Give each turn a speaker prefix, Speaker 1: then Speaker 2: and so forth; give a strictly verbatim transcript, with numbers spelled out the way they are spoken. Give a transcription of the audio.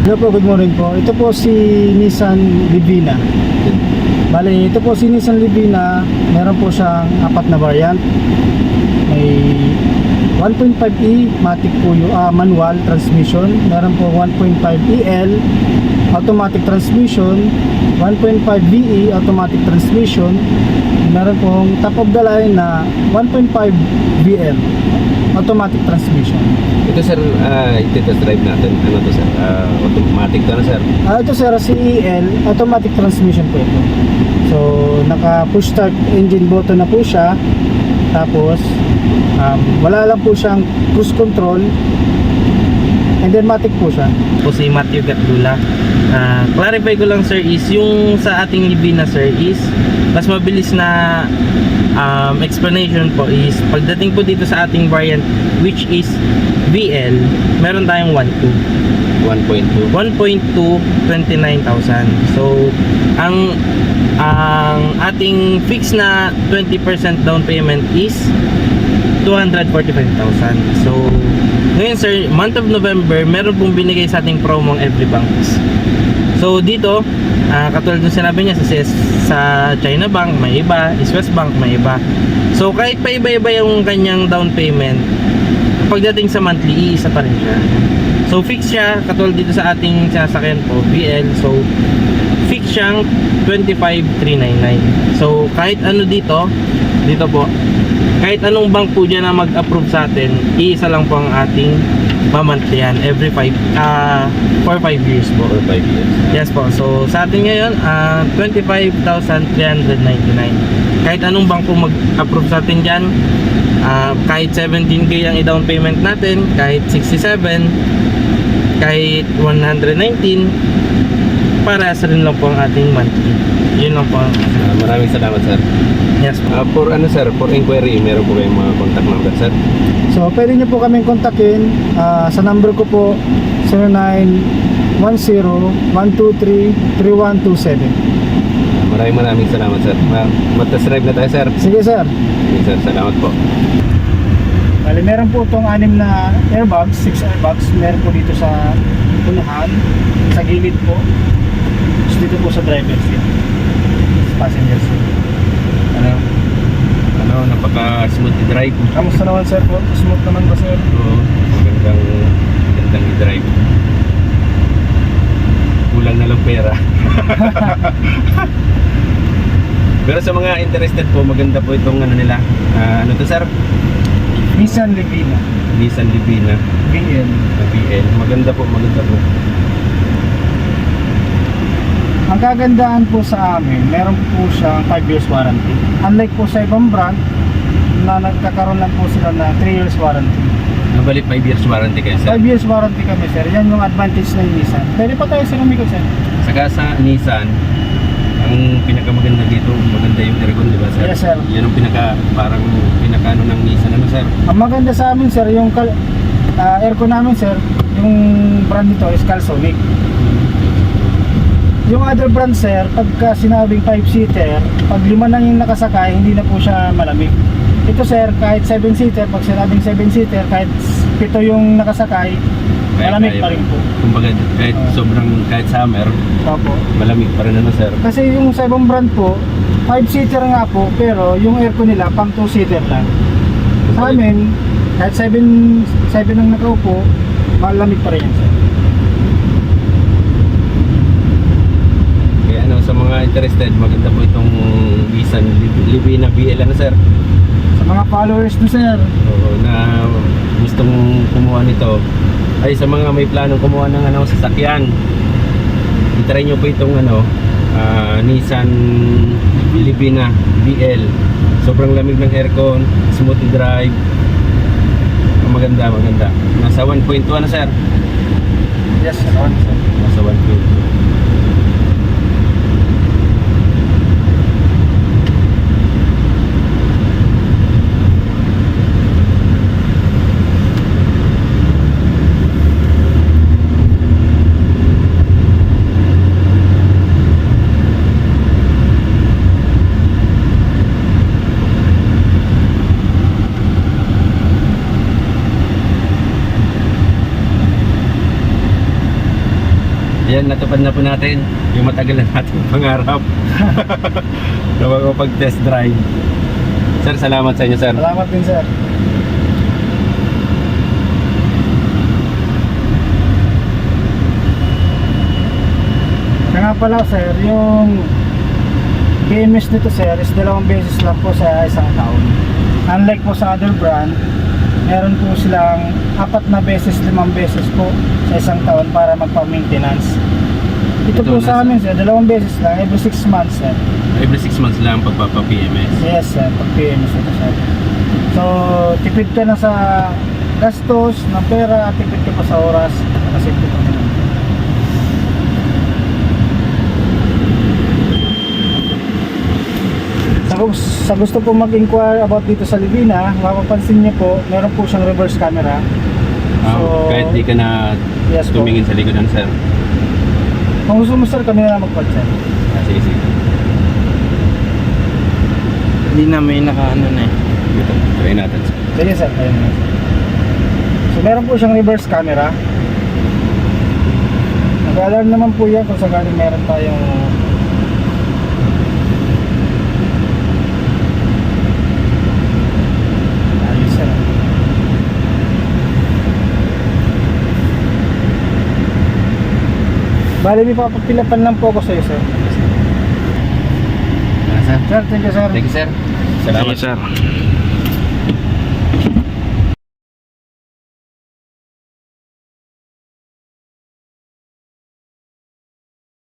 Speaker 1: Hello po, good morning po. Ito po si Nissan Livina. Bale, ito po si Nissan Livina. Meron po siyang apat na variant. May one point five E matic po yung uh, manual transmission. Meron po one point five E L automatic transmission, one point five V E automatic transmission. Meron pong top of the line na one point five V L automatic transmission.
Speaker 2: Ito sir, uh, ito drive natin. Ano to sir? Uh, automatic to na sir?
Speaker 1: Ah, ito sir, C E L automatic transmission po ito. So, naka push start engine button na po siya. Tapos um, wala lang po siyang cruise control. And then matic po siya.
Speaker 3: Po si Matthew Gatdula. Uh, clarify ko lang sir is yung sa ating Livina sir is mas mabilis na um, explanation po is pagdating po dito sa ating variant which is V L, meron tayong one point two.
Speaker 2: one point two.
Speaker 3: one point two, twenty-nine thousand. So ang ang ating fixed na twenty percent down payment is two hundred forty-five thousand. So ngayon sir, month of November, meron pong binigay sa ating promo ang Every Banks. So dito, uh, katulad ng sinabi niya sa, sa China Bank may iba, Swiss Bank may iba. So kahit pa iba-iba yung kanyang down payment, pagdating sa monthly, iisa pa rin siya. So fix siya, katulad dito sa ating sasakyan po, V L. So fix siyang twenty-five thousand three hundred ninety-nine. So kahit ano dito, dito po, kahit anong bank po dyan na mag-approve sa atin, iisa lang po ang ating mamantlihan every five, uh, for five years po.
Speaker 2: For five years.
Speaker 3: Yes po. So sa atin ngayon, uh, twenty-five thousand three hundred ninety-nine. Kahit anong bank po mag-approve sa atin dyan, uh, kahit seventeen K ang i-down payment natin, kahit sixty-seven, kahit one hundred nineteen, para sa rin lang po ang ating monthly. Yun lang po.
Speaker 2: Uh, maraming salamat sir.
Speaker 3: Yes po.
Speaker 2: Uh, for ano sir, for inquiry, meron po kayong mga contact number sir?
Speaker 1: So, pwede nyo po kaming kontakin uh, sa number ko po zero nine one zero one two three three one two seven.
Speaker 2: Uh, maraming maraming salamat sir. Uh, Mag-test drive na tayo sir.
Speaker 1: Sige sir.
Speaker 2: Okay, sir, salamat po.
Speaker 1: Bali, meron po itong anim na airbags, six airbags. Meron po dito sa unahan, sa gilid po. Tapos dito po sa driver seat, passenger seat.
Speaker 2: Ano? Ano, napaka-smooth i-drive.
Speaker 1: Kamusta naman sir po? Smooth naman ba sir?
Speaker 2: Oo, magandang, magandang i-drive. Kulang na lang pera. Pero sa mga interested po, maganda po itong ano nila. Uh, ano to sir?
Speaker 1: Nissan Livina
Speaker 2: Nissan Livina
Speaker 1: V L.
Speaker 2: V L. Maganda po, maganda po.
Speaker 1: Ang kagandahan po sa amin, meron po siyang five years warranty. Unlike po sa ibang brand na nagkakaroon lang po sila na three years warranty.
Speaker 2: Nabalik five years warranty kayo sir.
Speaker 1: five years warranty kami sir. Yan yung advantage ng Nissan. Pwede pa tayo sir umikot sir.
Speaker 2: Saka sa Nissan, ang pinakamaganda dito, maganda yung aircon, di ba sir?
Speaker 1: Yes, sir.
Speaker 2: Yan ang pinaka, parang pinakano ng Nissan, ano sir?
Speaker 1: Ang maganda sa amin sir, yung kal uh, aircon namin sir, yung brand nito is Calsonic. Yung other brand sir, pagka sinabing five seater, pag lima na yung nakasakay, hindi na po siya malamig. Ito sir, kahit seven seater, pag sinabing seven seater, kahit pito yung nakasakay,
Speaker 2: Kaya
Speaker 1: malamig
Speaker 2: kaya
Speaker 1: pa rin po.
Speaker 2: Kumbaga, kahit
Speaker 1: Ah.
Speaker 2: sobrang, kahit summer,
Speaker 1: Opo.
Speaker 2: malamig pa rin ano sir?
Speaker 1: Kasi yung sa ibang brand po, five seater nga po, pero yung aircon nila pang two seater lang. Sa amin, kahit seven, seven ang nakaupo, malamig pa rin yan sir.
Speaker 2: Kaya ano, sa mga interested, maganda po itong Nissan Livina V L, ano sir?
Speaker 1: Sa mga followers do sir,
Speaker 2: Oo, na gustong kumuha nito, ay sa mga may planong kumuha ng ano, sasakyan, i-try nyo po itong ano, uh, Nissan Livina V L. Sobrang lamig ng aircon, smooth drive, maganda, maganda. Nasa one point two ano sir?
Speaker 1: yes sir.
Speaker 2: Nasa one point two. dahil natupad na po natin yung matagal na nating pangarap na makapag-test drive. Sir, salamat sa inyo, sir.
Speaker 1: Salamat din, sir. Kaya nga pala, sir, yung B M S nito, sir, is dalawang beses lang po sa isang taon. Unlike po sa other brand, meron po silang apat na beses, limang beses po sa isang taon para magpa-maintenance. Ito,
Speaker 2: Ito
Speaker 1: po
Speaker 2: na,
Speaker 1: sa
Speaker 2: sir.
Speaker 1: amin, sir, dalawang beses lang, every six months, sir.
Speaker 2: Every six months lang pagpapa-P M S.
Speaker 1: Yes, sir, pag-P M S ito, sir. So, tipid ka na sa gastos ng pera, at tipid ka pa sa oras, kasi ito pa naman. Sa, sa gusto po mag-inquire about dito sa Livina, mapapansin niyo po, meron po siyang reverse camera.
Speaker 2: Ah,
Speaker 1: So,
Speaker 2: kahit di ka na
Speaker 1: yes po.
Speaker 2: tumingin sa likodan, sir.
Speaker 1: Kung gusto mo, sir, kami na lang mag-call,
Speaker 2: Ah, sige, sige.
Speaker 3: Hindi na may naka-ano na eh.
Speaker 2: Ito, try natin, sir.
Speaker 1: Sige, sir. Ayun na. So, meron po siyang reverse camera. Nag-alarm naman po yan kung sakaling meron tayong ayos, sir. Bali, may papapilapan lang po ako sa iyo, sir.
Speaker 2: Ah, sir.
Speaker 1: Sir, thank you, sir.
Speaker 2: Thank you, sir. Salamat,
Speaker 3: Sige, sir.